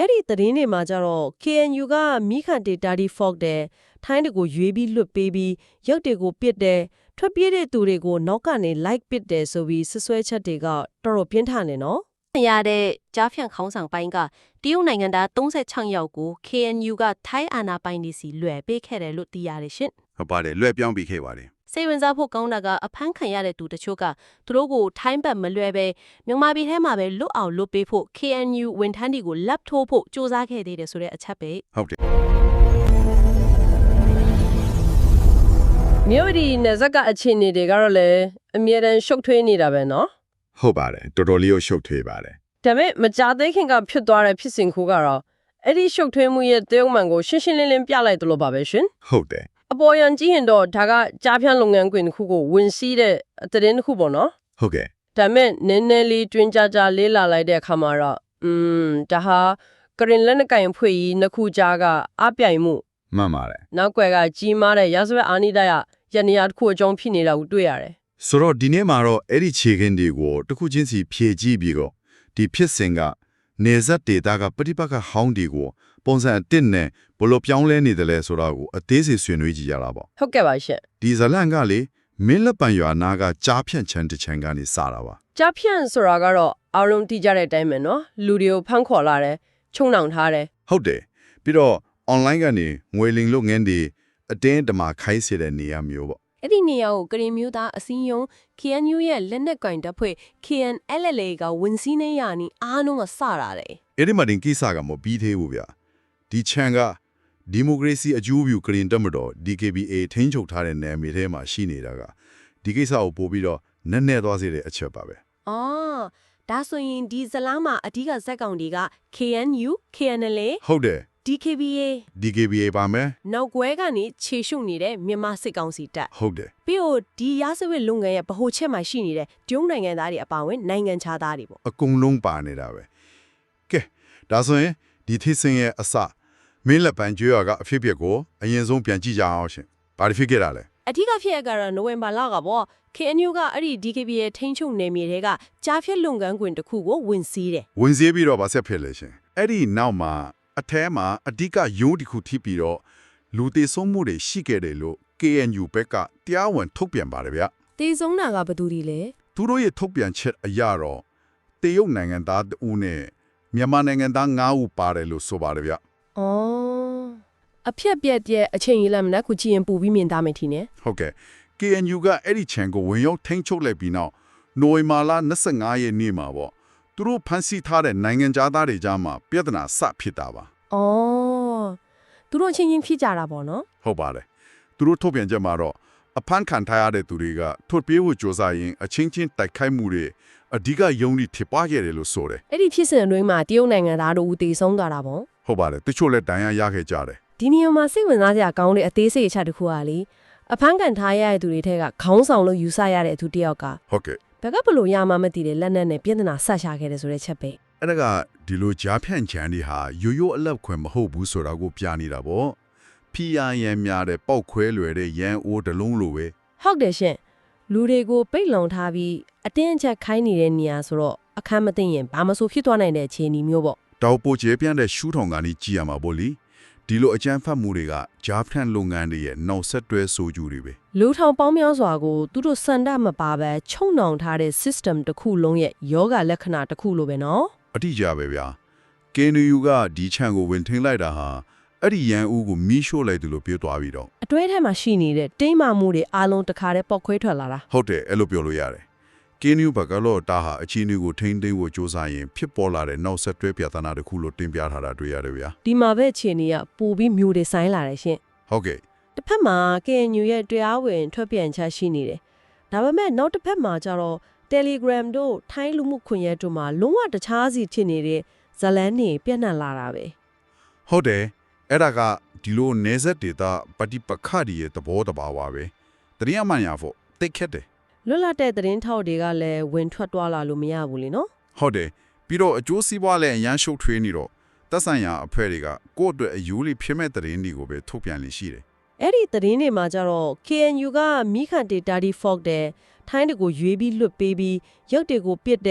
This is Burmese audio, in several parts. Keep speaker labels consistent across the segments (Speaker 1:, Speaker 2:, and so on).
Speaker 1: အဲ့ဒီသတင်းတွေမှာကြတော့ KNU ကမိခန့်တေတာဒီ fork တယ်ထိုင်းတွေကိုရွေးပြီးလွတ်ပေးပြီးရုပ်တွေကိုပစ်တယ်ထွက်ပြေးတဲ့သူတွေကိုနောက်ကနေ like ပစ်တယ်ဆိုပြီးဆွဆွဲချက်တွေကတော်တော်ပြင်းထန်နေနော်ရတဲ့ကြားဖြန့်ခေါင်းဆောင်ပိုင်းကတရုတ်နိုင်ငံသား36ယောက်ကို KNU ကထိုင်းအာဏာပိုင်တွေစီလွှဲပေးခဲ့တယ်လို့သိရတယ်ရှင်
Speaker 2: ဟုတ်ပါတယ်လွှဲပြောင်းပေးခဲ့ပါတယ်
Speaker 1: စိတ်ဝင်စားဖို့ကောင်းတာကအဖမ်းခံရတဲ့သူတချို့ကသူတို့ကိုထိုင်းဘက်မလွှဲပဲမြန်မာပြည်ထဲမှာပဲလွတ်အောင်လွတ်ပေးဖို့ KNU ဝန်ထမ်းတွေကိုလက်ထိုးဖို့စ조사ခဲ့သေးတယ်ဆိုတဲ့အချက်ပဲ
Speaker 2: ဟုတ်တယ်
Speaker 1: မြို့ဒီနယ်ဇက်ကအခြေအနေတွေကတော့လည်းအမြဲတမ်းရှုပ်ထွေးနေတာပဲနော်
Speaker 2: ဟုတ်ပါတယ်တော်တော်လေးကိုရှုပ်ထွေးပါတယ်
Speaker 1: ဒါပေမဲ့မကြသေးခင်ကဖြစ်သွားတဲ့ဖြစ်စဉ်ခုကတော့အဲ့ဒီရှုပ်ထွေးမှုရဲ့တရုတ်မှန်ကိုရှင်းရှင်းလင်းလင်းပြလိုက်တယ်လို့ပါပဲရှင်
Speaker 2: ဟုတ်တယ်
Speaker 1: အပေါ်ယံကြည့်ရင်တော့ဒါကကြားဖြန့်လုပ်ငန်းခွင်တစ်ခုကိုဝင်စီးတဲ့သတင်းတစ်ခုပေါ့နော်
Speaker 2: ဟုတ်ကဲ့
Speaker 1: ဒါပေမဲ့နည်းနည်းလေးတွင်ကြကြလေးလာလိုက်တဲ့အခါမှာတော့ဒါဟာကရင်လက်နက်ကင်ဖွဲ့ကြီးနှစ်ခုကြားကအပြိုင်မှု
Speaker 2: မှန်ပါတယ်
Speaker 1: နောက်ွယ်ကကြီးမားတဲ့ရာဇဝတ်အာဏာတရနေရာတစ်ခုအကြောင်းဖြစ်နေတာကိုတွေ့ရတယ်
Speaker 2: ဆိုတော့ဒီနေ့မှာတော့အဲ့ဒီခြေခင်းတွေကိုတစ်ခုချင်းစီဖြည့်ကြည့်ပြီးတော့ဒီဖြစ်စဉ်ကနေဇက်ဒေတာကပฏิပတ်ကဟောင်းဒီကိုပုံစံအတစ်နဲ့ဘလို့ပြောင်းလဲနေတယ်လဲဆိုတာကိုအသေးစိတ်ဆွေးနွေးကြည့်ရတာပေါ့
Speaker 1: ဟုတ်ကဲ့ပါရှင်
Speaker 2: ဒီဇလန်ကလေမင်းလက်ပံရွာနာကကြားဖြန့်ချမ်းတစ်ချမ်းကနေစတာပါ
Speaker 1: ကြားဖြန့်ဆိုတာကတော့အားလုံးသိကြတဲ့အတိုင်းပဲနော်လူတွေကိုဖမ်းခေါ်လာတယ်ချုံနှောင်ထားတယ်
Speaker 2: ဟုတ်တယ်ပြီးတော့ online ကနေငွေလိမ်လုပ်ငန်းတွေအတင်းတမာခိုင်းစေတဲ့နေရာမျိုးပေါ့
Speaker 1: အဲ့ဒီနေရာကိုကရင်မျိုးသားအစည်းအရုံး KNU ရဲ့လက်နက်ကင်တပ်ဖွဲ့ KNLA ကဝန်စည်းနေရနီအားလုံးကစတာတယ်
Speaker 2: အဲ့ဒီမှာတင်ကိစ္စကမပြီးသေးဘူးဗျဒီချန်ကဒီမိုကရေစီအကျိုးပြုကရင်တပ်မတော် DKBA ထိန်းချုပ်ထားတဲ့နယ်မြေထဲမှာရှိနေတာကဒီကိစ္စကိုပို့ပြီးတော့နက်နဲသွားစေတဲ့အချက်ပါပဲ
Speaker 1: အော်ဒါဆိုရင်ဒီဇလားမှာအဓိကဇက်ကောင်တွေက KNU KNLA
Speaker 2: ဟုတ်တယ်
Speaker 1: DKBA
Speaker 2: ပါမယ်
Speaker 1: နောက်ကွဲကနေခြေရှုပ်နေတဲ့မြန်မာစစ်ကောင်စီတပ်
Speaker 2: ဟုတ်တယ်
Speaker 1: ပြီးတော့ဒီရာဇဝတ်လုပ်ငန်းရဲ့ဗဟိုချက်မှာရှိနေတဲ့တရုတ်နိုင်ငံသားတွေအပါအဝင်နိုင်ငံခြားသားတွေပေါ့
Speaker 2: အကုန်လုံးပါနေတာပဲကဲဒါဆိုရင်ဒီထိစင်ရဲ့အစမင်းလက်ပံကျွေးရကအဖြစ်ဖြစ်ကိုအရင်ဆုံးပြန်ကြည့်ကြအောင်ရှင်ဘာဖြစ်ခဲ့တာလဲ
Speaker 1: အဓိကဖြစ်ရကတော့နိုဝင်ဘာလကပေါ့ KNU ကအဲ့ဒီ DKBA ထိန်းချုပ်နယ်မြေတွေကကြားဖြတ်လုပ်ငန်းခွင်တစ်ခုကိုဝင်စီးတယ်
Speaker 2: ဝင်စီးပြီးတော့ဗာဆက်ဖြစ်လေရှင်အဲ့ဒီနောက်မှာအထဲမှာအဓိကယုံတစ်ခုထိပြီးတော့လူတေဆုံးမှုတွေရှိခဲ့တယ်လို့ KNU ဘက်ကတရားဝင်ထုတ်ပြန်ပါတယ်ဗျ
Speaker 1: တေဆုံးတာကဘယ်သူတွေလဲ
Speaker 2: သူတို့ရဲ့ထုတ်ပြန်ချက်အရတော့တရုတ်နိုင်ငံသား2ဦးနဲ့မြန်မာနိုင်ငံသား9ဦးပါတယ်လို့ဆိုပါတယ်ဗျ
Speaker 1: အော်အဖြက်ပြက်တဲ့အချိန်ကြီးလည်းမနက်ခုကြည့်ရင်ပူပြီးမြင်သားမယ်ထင်တယ်
Speaker 2: ဟုတ်ကဲ့ KNU ကအဲ့ဒီချန်ကိုဝင်ရောက်ထိန်းချုပ်လိုက်ပြီးနောက်နိုဝင်ဘာလ25ရက်နေ့မှာပေါ့သူတို့ဖမ်းဆီးထားတဲ့နိုင်ငံသားတွေကြားမှာပြဿနာစဖြစ်တာပါ
Speaker 1: ။အော်သူတို့ချင်းချင်းဖြစ်ကြတာပေါ့နော်
Speaker 2: ။ဟုတ်ပါတယ်။သူတို့ထုတ်ပြန်ချက်မှာတော့အဖမ်းခံထားရတဲ့သူတွေကထုတ်ပြေးဖို့ကြိုးစားရင်အချင်းချင်းတိုက်ခိုက်မှုတွေအဓိကယုံကြည်ဖြစ်ပွားခဲ့တယ်လို့ဆိုတယ်
Speaker 1: ။အဲ့ဒီဖြစ်စဉ်အတွင်းမှာတရုတ်နိုင်ငံသားတို့ဦးတည်ဆုံးသွားတာပေါ့
Speaker 2: ။ဟုတ်ပါတယ်။တချို့လည်းဒဏ်ရာရခဲ့ကြတယ်
Speaker 1: ။ဒီနေရာမှာစိတ်ဝင်စားစရာကောင်းတဲ့အသေးစိတ်အချက်တစ်ခုကလေအဖမ်းခံထားရတဲ့သူတွေထက်ကခေါင်းဆောင်လို့ယူဆရတဲ့သူတယောက်က
Speaker 2: ဟုတ်ကဲ့
Speaker 1: ဘက်ကဘလို့ရမှမသိတဲ့လက်နက်နဲ့ပြည်ထနာဆက်ရှာခဲ့တယ်ဆိုတဲ့ချက်ပဲ
Speaker 2: အဲ့ဒါကဒီလိုကြားဖြန့်ချန်တွေဟာရိုးရိုးအလက်ခွင်မဟုတ်ဘူးဆိုတာကိုပြနေတာပေါ့ဖီယာရန်များတဲ့ပောက်ခွဲလွယ်တဲ့ရန်အိုးတလုံးလိုပဲ
Speaker 1: ဟုတ်တယ်ရှင်လူတွေကိုပိတ်လုံထားပြီးအတင်းအကျပ်ခိုင်းနေတဲ့နေရာဆိုတော့အခမ်းမသိရင်ဘာမှဆိုဖြစ်သွားနိုင်တဲ့အခြေအနေမျိုးပေါ့
Speaker 2: တောက်ပိုကျဲပြန့်တဲ့ရှူးထောင်ကနေကြည်ရမှာပေါ့လေဒီလိုအကြမ်းဖက်မှုတွေကဂျာဖန်လုပ်ငန်းတွေရဲ့နောက်ဆက်တွဲဆိုကြတွေပဲ
Speaker 1: လူထောင်ပေါင်းများစွာကိုသူတို့စန္ဒမပါပဲချုံနှောင်ထားတဲ့ system တစ်ခုလုံးရဲ့ယောဂလက္ခဏာတစ်ခုလိုပဲနော်
Speaker 2: အတိအကျပဲဗျာ KNU ကဒီချန်ကိုဝင်ထင်းလိုက်တာဟာအဲ့ဒီရန်ဦးကိုမီးရှို့လိုက်တယ်လို့ပြောသွားပြီးတော့
Speaker 1: အတွဲထဲမှာရှိနေတဲ့တိမ့်မာမှုတွေအားလုံးတခါတည်းပေါက်ခွဲထွက်လာတာ
Speaker 2: ဟုတ်တယ်အဲ့လိုပြောလို့ရတယ်KNU ဘက်ကလို့တာဟာအခြေအနေကိုထိန်းသိမ်းဖို့စ조사ရင်ဖြစ်ပေါ်လာတဲ့နောက်ဆက်တွဲပြဿနာတစ်ခုလို့တင်ပြထားတာတွေ့ရတယ်ဗျာ
Speaker 1: ဒီမှာပဲအခြေအနေကပိုပြီးမျိုးတွေဆိုင်လာတယ်ရှင်
Speaker 2: ဟုတ်ကဲ့
Speaker 1: တစ်ဖက်မှာ KNU ရဲ့တရားဝင်ထွက်ပြန်ချက်ရှိနေတယ်ဒါပေမဲ့နောက်တစ်ဖက်မှာကျတော့ Telegram တို့ထိုင်းလူမှုခွင့်ရက်တို့မှာလုံးဝတခြားစီဖြစ်နေတဲ့ဇလန်းတွေပြန့်နှံ့လာတာပဲ
Speaker 2: ဟုတ်တယ်အဲ့ဒါကဒီလိုနေဆက်ဒေတာပฏิပက္ခတွေရဲ့သဘောတဘာဝပဲတရားမှန်ရဖို့တိတ်ခက်တယ်
Speaker 1: လွတ်လပ်တဲ့သတင်းထောက်တွေကလည်းဝင်ထွက်သွားလာလို့မရဘူးလေနော်
Speaker 2: ဟုတ်တယ်ပြီးတော့အကျိုးစီးပွားလည်းအရန်ရှုပ်ထွေးနေတော့သက်ဆိုင်ရာအဖွဲ့တွေကကိုယ့်အတွက်အယူလေးဖြစ်မဲ့သတင်းတွေကိုပဲထုတ်ပြန်လို့ရှိတယ်
Speaker 1: အဲ့ဒီသတင်းတွေမှာကျတော့ KNU ကမိခန့်တေတာဒီ fork တယ်ထိုင်းတွေကိုရွေးပြီးလွတ်ပေးပြီးရုပ်တွေကိုပစ်တယ်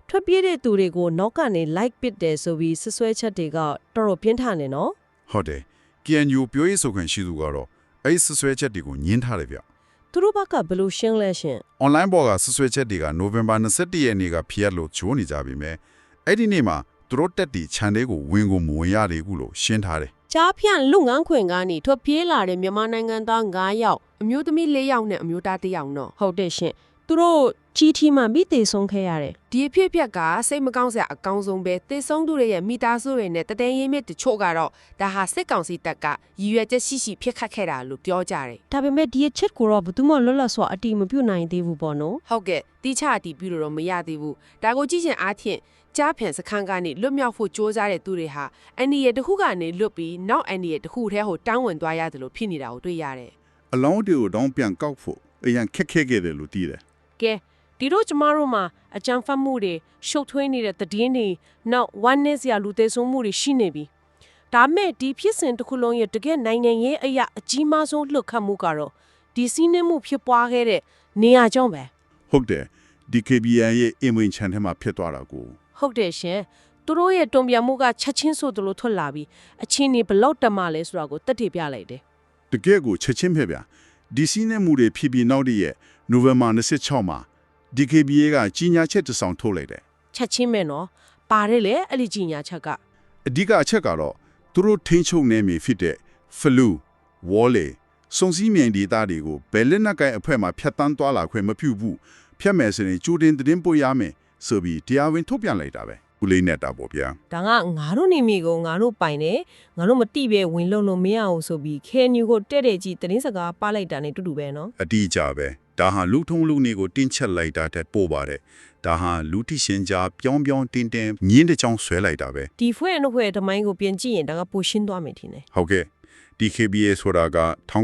Speaker 1: ထွက်ပြေးတဲ့သူတွေကိုနောက်ကနေ like ပစ်တယ်ဆိုပြီးဆွဆွဲချက်တွေကတော်တော်ပြင်းထန်နေနော်
Speaker 2: ဟုတ်တယ် KNU ပြောရေးဆိုခွင့်ရှိသူကတော့အဲ့ဒီဆွဆွဲချက်တွေကိုညှင်းထားတယ်ဗျ
Speaker 1: သူတို့ဘက်ကဘယ်လိုရှင်းလဲရှင်
Speaker 2: online ပေါ်ကဆွဆွဲချက်တွေကနိုဝင်ဘာ21ရက်နေ့ကဖျက်လို့ဂျိုးနေကြပြီမဲ့အဲ့ဒီနေ့မှာသူတို့တက်တီခြံလေးကိုဝင်ကိုမဝင်ရသေးဘူးလို့ရှင်းထားတယ်
Speaker 3: ကြားဖြန့်လူငန်းခွင်ကနေထွက်ပြေးလာတဲ့မြန်မာနိုင်ငံသား9ယောက်အမျိုးသမီး4ယောက်နဲ့အမျိုးသား1ယောက်နော်
Speaker 1: ဟုတ်တယ်ရှင်သူတို့ကြီးထီမှမိသေးဆုံးခဲ့ရတယ်
Speaker 3: ဒီအဖြစ်အပျက်ကစိတ်မကောင်းစရာအကောင်းဆုံးပဲသေဆုံးသူတွေရဲ့မိသားစုတွေနဲ့တတဲရင်းမြစ်တချို့ကတော့ဒါဟာစစ်ကောင်စီတပ်ကရည်ရွယ်ချက်ရှိရှိဖြစ်ခတ်ခဲ့တာလို့ပြောကြတယ်
Speaker 1: ဒါပေမဲ့ဒီအချက်ကိုတော့ဘယ်သူမှလွတ်လပ်စွာအတိမပြုတ်နိုင်သေးဘူးပေါ့နော်
Speaker 3: ဟုတ်ကဲ့တိချအတီးပြုလို့တော့မရသေးဘူးဒါကိုကြည့်ချင်အားဖြင့်ကြားဖြန့်စခန်းကနေလွတ်မြောက်ဖို့ကြိုးစားတဲ့သူတွေဟာအန်ဒီရဲ့တစ်ခုကနေလွတ်ပြီးနောက်အန်ဒီရဲ့တစ်ခုထဲကိုတောင်းဝင်သွားရတယ်လို့ဖြစ်နေတာကိုတွေ့ရတယ်
Speaker 2: အလောင်းတွေကိုတောင်းပြန်ကောက်ဖို့အရင်ခက်ခဲခဲ့တယ်လို့သိတယ်
Speaker 3: ကဲဒီတို့ကျမတို့မှာအကြံဖတ်မှုတွေရှုပ်ထွေးနေတဲ့သတင်းတွေနောက် oneness ရလူသေးဆုံးမှုတွေရှိနေပြီဒါမဲ့ဒီဖြစ်စဉ်တစ်ခုလုံးရဲ့တကယ်နိုင်ငံရေးအရာအကြီးမားဆုံးလှုပ်ခတ်မှုကတော့ဒီစီးနှင်းမှုဖြစ်ပွားခဲ့တဲ့နေရာကြောင့်ပဲ
Speaker 2: ဟုတ်တယ် DKBN ရဲ့အင်ဝင်ချန်ထဲမှာဖြစ်သွားတာကို
Speaker 3: ဟုတ်တယ်ရှင်သူတို့ရဲ့တုံ့ပြန်မှုကချက်ချင်းဆိုသလိုထွက်လာပြီးအချင်းနေဘလောက်တက်မှလဲဆိုတာကိုတက်တည်ပြလိုက်တယ်
Speaker 2: တကယ်ကိုချက်ချင်းပဲဗျာဒီစီးနဲ့မှုတွေဖြစ်ပြီးနောက်တည့်ရက်နိုဝင်ဘာ26မှာ DKBA ကကြီးညာချက်တစ်စောင်ထုတ်လိုက်တယ်
Speaker 3: ချက်ချင်းပဲနော်ပါတယ်လေအဲ့ဒီကြီးညာချက်က
Speaker 2: အဓိကအချက်ကတော့သူတို့ထိန်းချုပ်နေမီဖြစ်တဲ့ flu wall စုံစည်းမြန်ဒေတာတွေကိုဘယ်လက်နက်ကိုင်အဖွဲ့မှာဖျက်ဆီးသွားလာခွင့်မပြုဘူးဖျက်မယ်ဆိုရင်ကျူတင်သတင်းပို့ရမယ်ဆိုပြီးတရားဝင်ထုတ်ပြန်လိုက်တာပဲဦးလေးနဲ့တာပေါ့ဗျာ
Speaker 1: ဒါကငါတို့နေမိကိုငါတို့ပိုင်တယ်ငါတို့မတိပဲဝင်လုံလို့မရအောင်ဆိုပြီးခဲညူကိုတဲ့တဲ့ကြီးသတင်းစကားပါလိုက်တာနဲ့တူတူပဲနော်
Speaker 2: အတိအကျပဲဒါဟာလူထုံလူနေကိုတင်းချက်လိုက်တာတဲ့ပို့ပါတယ်ဒါဟာလူတိရှင်ကြားပြောင်းပြောင်းတင်းတင်းညင်းတဲ့ချောင်းဆွဲလိုက်တာပဲ
Speaker 1: ဒီဖွဲ့အနှုတ်ဖွဲ့တမိုင်းကိုပြင်ကြည့်ရင်ဒါကပိုရှင်းသွားမယ်ထင်တယ်
Speaker 2: ဟုတ်ကဲ့ DKBA ဆိုတာက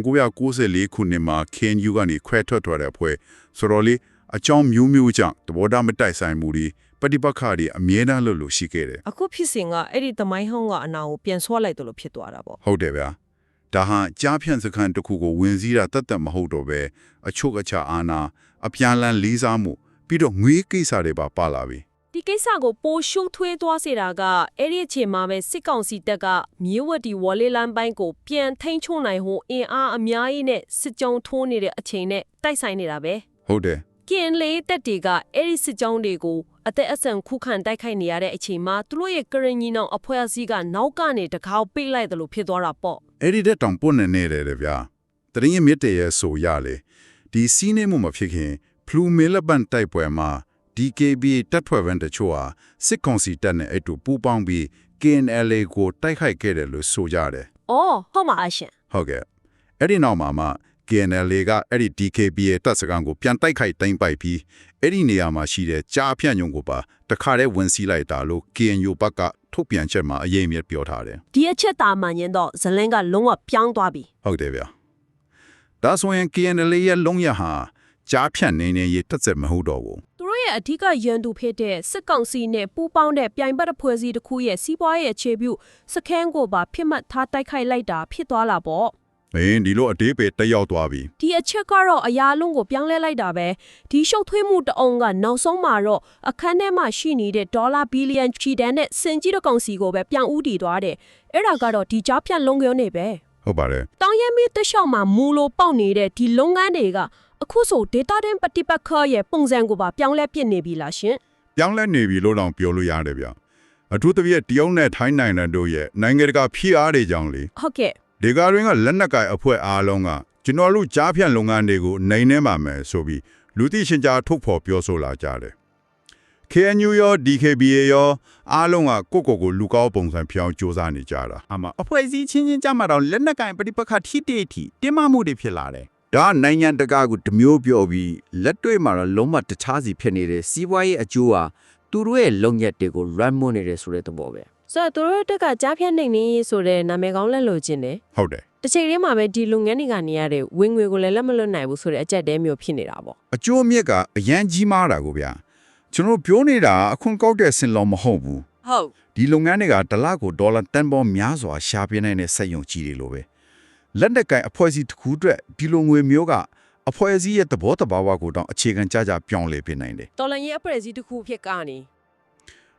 Speaker 2: 1994ခုနှစ်မှာ KNU ကနေခွဲထွက်သွားတဲ့အဖွဲ့ဆိုတော့လေအကြောင်းမျိုးမျိုးကြောင့်သဘောထားမတိုက်ဆိုင်မှုတွေပဋိပက္ခတွေအမြဲတမ်းလို့ရှိခဲ့တယ်
Speaker 1: အခုဖြစ်စဉ်ကအဲ့ဒီတမိုင်းဟောင်းကအနာကိုပြန်ဆွလိုက်တယ်လို့ဖြစ်သွားတာပေါ့
Speaker 2: ဟုတ်တယ်ဗျာဒါဟာကြားဖြန့်စခန်းတစ်ခုကိုဝင်စည်းတာတတ်တတ်မဟုတ်တော့ပဲအချုပ်အခြာအာဏာအပြန်လန်းလေးစားမှုပြီးတော့ငွေကိစ္စတွေပါလာပြီ
Speaker 1: ဒီကိစ္စကိုပိုရှုပ်ထွေးသွားစေတာကအဲ့ဒီအချိန်မှာပဲစစ်ကောင်စီတပ်ကမြေဝတ်ဒီဝေါ်လေးလမ်းပိုင်းကိုပြန်ထိန်းချုပ်နိုင်ဖို့အင်အားအများကြီးနဲ့စစ်ကြောင်းထိုးနေတဲ့အချိန်နဲ့တိုက်ဆိုင်နေတာပဲ
Speaker 2: ဟုတ်တယ်
Speaker 1: ကင်လေတက်တွေကအဲ့ဒီစစ်ကြောင်းတွေကိုအသက်အဆန်ခုခံတိုက်ခိုက်နေရတဲ့အချိန်မှာသူတို့ရဲ့ကရင်ကြီးနောင်အဖွဲ့အစည်းကနောက်ကနေတကောက်ပိတ်လိုက်တယ်လို့ဖြစ်သွားတာပေါ့
Speaker 2: အဲ့ဒီတဲ့တောင်ပွန်းနေတယ်ဗျာတရင်မြစ်တရဲ့ဆိုရလေဒီစီးနေမှုမဖြစ်ခင်ဖလူမေလပန်တိုက်ပွဲမှာ DKB တပ်ဖွဲ့ဝင်တချို့ဟာစစ်ကောင်စီတပ်နဲ့အတူပူးပေါင်းပြီး KNLA ကိုတိုက်ခိုက်ခဲ့တယ်လို့ဆိုကြတယ်
Speaker 1: ။အော်ဟုတ်ပါအရှင်
Speaker 2: ဟုတ်ကဲ့အဲ့ဒီနောက်မှာ KNLA ကအဲ့ဒီ DKB ရဲ့တပ်စခန်းကိုပြန်တိုက်ခိုက်တိုင်းပိုက်ပြီးအဲ့ဒီနေရာမှာရှိတဲ့ကြားဖြန့်ညုံကိုပါတခါတည်းဝင်စီးလိုက်တာလို့ KNU ဘက်ကထုတ်ပြန်ချက်မှာအရေးအမြစ်ပြောထားတယ်
Speaker 1: ။ဒီအချက်တာမှန်ရင်တော့ဇလင်းကလုံးဝပြောင်းသွားပြီ
Speaker 2: ဟုတ်တယ်ဗျာဒါဆိုရင် KNLA ရဲ့လုံးရဟာကြားဖြန့်နေရေးတက်ဆက်မဟုတ်တော့ဘူး
Speaker 1: ။သူတို့ရဲ့အထူးရန်သူဖြစ်တဲ့စစ်ကောင်စီနဲ့ပူးပေါင်းတဲ့ပြိုင်ဘက်အဖွဲ့အစည်းတစ်ခုရဲ့စီးပွားရေးအခြေပြုစခန်းကိုပါဖြစ်မှတ်ထားတိုက်ခိုက်လိုက်တာဖြစ်သွားလာပေါ့
Speaker 2: ဒီလိုအတေးပဲတက်ရောက်သွားပြီ
Speaker 1: ။ဒီအချက်ကတော့အရာလုံးကိုပြောင်းလဲလိုက်တာပဲ။ဒီရှုပ်ထွေးမှုတအောင်ကနောက်ဆုံးမှာတော့အခန်းထဲမှာရှိနေတဲ့ဒေါ်လာဘီလီယံချီတန်းနဲ့စင်ကြီးတကောင်စီကိုပဲပြန်ဦးတည်သွားတယ်။အဲ့ဒါကတော့ဒီကြားဖြန့်လုံးကျုံနေပဲ
Speaker 2: ဟုတ်ပါတယ်
Speaker 1: ။တောင်ရမီတလျှောက်မှာမူလိုပေါက်နေတဲ့ဒီလုပ်ငန်းတွေကအခုဆို data တင်ပฏิပတ်ခရဲ့ပုံစံကိုပါပြောင်းလဲပြစ်နေပြီလားရှင်
Speaker 2: ပြောင်းလဲနေပြီလို့တော့ပြောလို့ရတယ်ဗျအထူးသဖြင့်တရုတ်နဲ့ထိုင်းနိုင်ငံတို့ရဲ့နိုင်ငံတကာဖိအားတွေကြောင့်လေ
Speaker 1: ။ဟုတ်ကဲ့
Speaker 2: ဒီကားရင်းကလက်နက်ကိုင်အဖွဲ့အားလုံးကကျွန်တော်တို့ကြားဖြန့်လုပ်ငန်းတွေကိုနိုင်နေမှာမယ်ဆိုပြီးလူသိရှင်ကြားထုတ်ဖော်ပြောဆိုလာကြတယ် KNU ရော DKBA ရောအားလုံးကကိုလူကောက်ပုံစံပြောင်းစ조사နေကြတာအမ
Speaker 4: အဖွဲ့အစည်းချင်းချင်းကြမှာတော့လက်နက်ကင်ပဋိပက္ခထိတိထိတင်းမာမှုတွေဖြစ်လာတယ်
Speaker 5: ဒါနိုင်ငံတကာကိုတမျိုးပြောပြီးလက်တွေ့မှာတော့လုံးဝတခြားစီဖြစ်နေတဲ့စီးပွားရေးအကျိုးဟာသူတို့ရဲ့လုံရက်တွေကို run မွနေတယ်ဆိုတဲ့သဘောပဲ
Speaker 1: ။ဆိုတော့သူတို့တက်ကကြားဖြန့်နေနေဆိုတဲ့နာမည်ကောင်းလက်လို့ခြင်းတယ်
Speaker 2: ဟုတ်တယ်
Speaker 1: ။တစ်ချိန်တည်းမှာပဲဒီလုပ်ငန်းတွေကနေရတဲ့ဝင်ငွေကိုလည်းလက်မလွတ်နိုင်ဘူးဆိုတဲ့အကြက်တဲမျိုးဖြစ်နေတာပေါ့
Speaker 2: အကျိုးအမြတ်ကအရန်ကြီးမားတာကိုဗျာကျွန်တော်ပြောနေတာအခွန်ကောက်တဲ့စင်လောမဟုတ်ဘူး
Speaker 1: ။ဟုတ်
Speaker 2: ဒီလုပ်ငန်းတွေကတစ်လကိုဒေါ်လာတန်ပေါင်းများစွာရှာပြနိုင်တဲ့စက်ရုံကြီးတွေလိုပဲလက်နက်ကိုင်အဖွဲ့အစည်းတစ်ခုအတွက်ဒီလိုငွေမျိုးကအဖွဲ့အစည်းရဲ့သဘောတဘာဝကိုတောင်အခြေခံကြပြောင်းလဲပြနိုင်တယ်
Speaker 1: တော်လန်ရဲ့အဖွဲ့အစည်းတစ်ခုဖြစ်ကနေ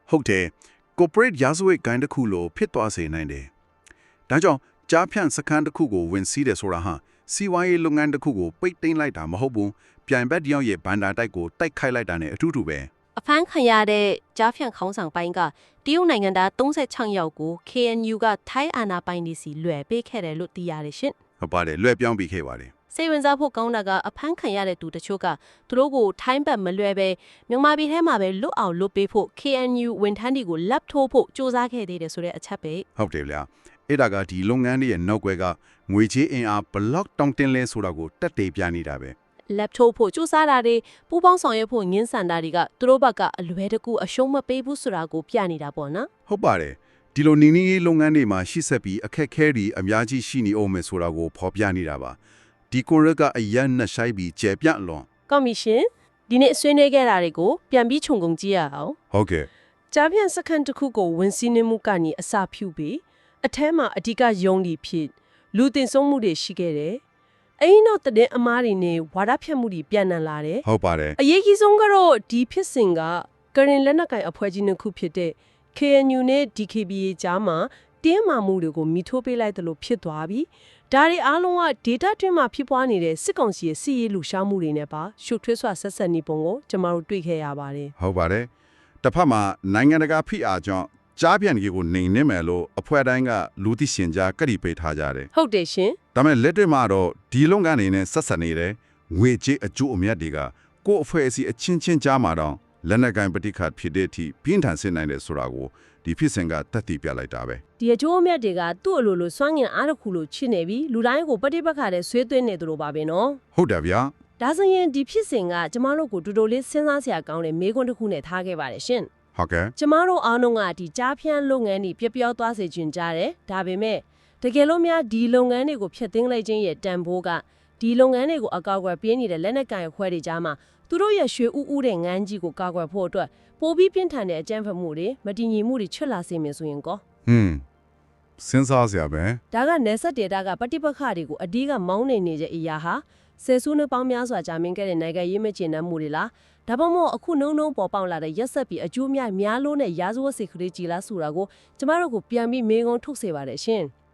Speaker 4: ဟုတ်တယ် corporate ရာဇဝတ်ဂိုင်းတစ်ခုလိုဖြစ်သွားစေနိုင်တယ်ဒါကြောင့်ကြားဖြန့်စခန်းတစ်ခုကိုဝင်စီးတယ်ဆိုတာဟာစီးပွားရေးလုပ်ငန်းတစ်ခုကိုပိတ်သိမ်းလိုက်တာမဟုတ်ဘူးပြိုင်ဘက်တယောက်ရဲ့ဘန်ဒါတိုက်ကိုတိုက်ခိုက်လိုက်တာနဲ့အထူးတူပဲ
Speaker 6: အဖမ်းခံရတဲ့ကြားဖြန့်ခေါင်းဆောင်ပိုင်းကတရုတ်နိုင်ငံသား36ယောက်ကို KNU ကထိုင်းအာဏာပိုင်တွေစီလွှဲပေးခဲ့တယ်လို့သိရတယ်ရှင်
Speaker 4: ဟုတ်ပါတယ်လွှဲပြောင်းပြီးခဲ့ပါတယ်
Speaker 6: စိတ်ဝင်စားဖို့ကောင်းတာကအဖမ်းခံရတဲ့သူတချို့ကသူတို့ကိုထိုင်းဘက်မလွှဲပဲမြန်မာပြည်ထဲမှာပဲလွတ်အောင်လွတ်ပေးဖို့ KNU ဝန်ထမ်းတွေကိုလက်ထိုးဖို့စ조사ခဲ့သေးတယ်ဆိုတဲ့အချက်ပဲ
Speaker 4: ဟုတ်တယ်ဗျာအဲ့ဒါကဒီလုပ်ငန်းတွေရဲ့နောက်ွယ်ကငွေချေးအင်အားဘလောက်တောင်းတင်းလဲဆိုတာကိုတက်တေပြနေတာပဲ
Speaker 6: လက်ထိုးဖို့စ조사တာတွေပူးပေါင်းဆောင်ရွက်ဖို့ငင်းဆန်တာတွေကသူတို့ဘက်ကအလွဲတကူအရှုံးမပေးဘူးဆိုတာကိုပြနေတာပေါ့နော်
Speaker 4: ဟုတ်ပါတယ်ဒီလိုနီနီရေးလုပ်ငန်းတွေမှာရှိဆက်ပြီးအခက်ခဲတွေအများကြီးရှိနေအောင်မယ်ဆိုတာကိုဖော်ပြနေတာပါဒီကိုရက်ကအရန်နဲ့ဆိုင်ပြီးကျေပြန့်လွန်
Speaker 3: ကော်မရှင်ဒီနေ့ဆွေးနွေးခဲ့တာတွေကိုပြန်ပြီးခြုံငုံကြည့်ရအောင်
Speaker 4: ဟုတ်ကဲ့
Speaker 3: ကြားဖြန့်စခန်းတစ်ခုကိုဝင်စီးနှမှုကနေအစာဖြူပြီးအထဲမှာအဓိကယုံလီဖြစ်လူတင်ဆုံးမှုတွေရှိခဲ့တယ်။အင်းတော့တဲ့အမားတွေနဲ့ဝါဒဖြန့်မှုတွေပြန်နံလာတယ်
Speaker 4: ဟုတ်ပါတယ်
Speaker 3: ။အရေးကြီးဆုံးကတော့ဒီဖြစ်စဉ်ကကရင်လက်နက်ကိုင်အဖွဲ့ကြီးနှစ်ခုဖြစ်တဲ့ KNU နဲ့ DKBA ကြားမှာတင်းမာမှုတွေကိုမိထိုးပေးလိုက်တယ်လို့ဖြစ်သွားပြီ။ဒါတွေအားလုံးက data တွင်းမှာဖြစ်ပွားနေတဲ့စစ်ကောင်စီရဲ့စီးရေးလူရှားမှုတွေနဲ့ပါရှုပ်ထွေးစွာဆက်ဆက်နေပုံကိုကျွန်တော်တို့တွေ့ခဲ့ရပါတယ်
Speaker 4: ဟုတ်ပါတယ်တစ်ဖက်မှာနိုင်ငံတကာဖိအားကြောင့်ကြားပြန်ကြီးကိုနှိမ်နှင်းမယ်လို့အဖွဲ့တိုင်းကလူသိရှင်ကြားကတိပေးထားကြတယ်
Speaker 3: ။ဟုတ်တယ်ရှင်
Speaker 4: ဒါပေမဲ့လက်တွေ့မှာတော့ဒီလုပ်ငန်းတွေနဲ့ဆက်ဆက်နေတဲ့ငွေကြေးအကျိုးအမြတ်တွေကကိုယ့်အဖွဲ့အစည်းအချင်းချင်းကြားမှာတော့လက်နက်ကိုင်ပဋိခတ်ဖြစ်တဲ့အထိပြင်းထန်စေနိုင်တယ်ဆိုတာကိုဒီဖြစ်စဉ်ကတက်တည်ပြလိုက်တာပဲ
Speaker 3: ။ဒီအကျိုးအမြတ်တွေကသူ့အလိုလိုစွမ်းငင်အားတစ်ခုလိုချစ်နေပြီးလူတိုင်းကိုပฏิပတ်ခါတဲ့ဆွေးသွင်းနေသူလိုပါပဲနော်
Speaker 4: ဟုတ်တယ်ဗျာ
Speaker 3: ။ဒါဆိုရင်ဒီဖြစ်စဉ်ကကျမတို့ကိုတူတူလေးစဉ်းစားစရာကောင်းတဲ့မေးခွန်းတစ်ခုနဲ့ထားခဲ့ပါတယ်ရှင်
Speaker 4: ဟုတ်ကဲ့
Speaker 3: ။ကျမတို့အားလုံးကဒီကြားဖြန့်လုပ်ငန်းတွေပျက်ပြားသွားစေချင်ကြတယ်။ဒါပေမဲ့တကယ်လို့များဒီလုပ်ငန်းတွေကိုဖျက်သိမ်းလိုက်ခြင်းရဲ့တန်ဖိုးကဒီလုပ်ငန်းတွေကိုအကောက်အကွယ်ပေးနေတဲ့လက်နက်ကိုင်အဖွဲ့တွေကြားမှာသူတို့ရဲ့ရွှေဥဥတဲ့ငန်းကြီးကိုကာကွယ်ဖို့အတွက်ပိုပြီးပြင်းထန်တဲ့အကြမ်းဖက်မှုတွေမတည်ငြိမ်မှုတွေချွတ်လာစေမယ်ဆိုရင်ကော
Speaker 4: စဉ်းစားစရာပဲ
Speaker 3: ဒါကနေဆက်ဒေတာကပฏิပက္ခတွေကိုအဓိကမောင်းနေနေတဲ့အရာဟာဆယ်စုနှစ်ပေါင်းများစွာကြာမြင့်ခဲ့တဲ့နိုင်ငံရေးမကျေနပ်မှုတွေလားဒါပေမဲ့အခုနှုံပေါ်ပေါက်လာတဲ့ရက်ဆက်ပြီးအကျိုးများလို့နဲ့ရာဇဝတ်စိတ်ကလေးကြီးလားဆိုတာကိုကျမတို့ကိုပြန်ပြီးမေးခွန်းထုတ်စေပါတယ်ရှင်။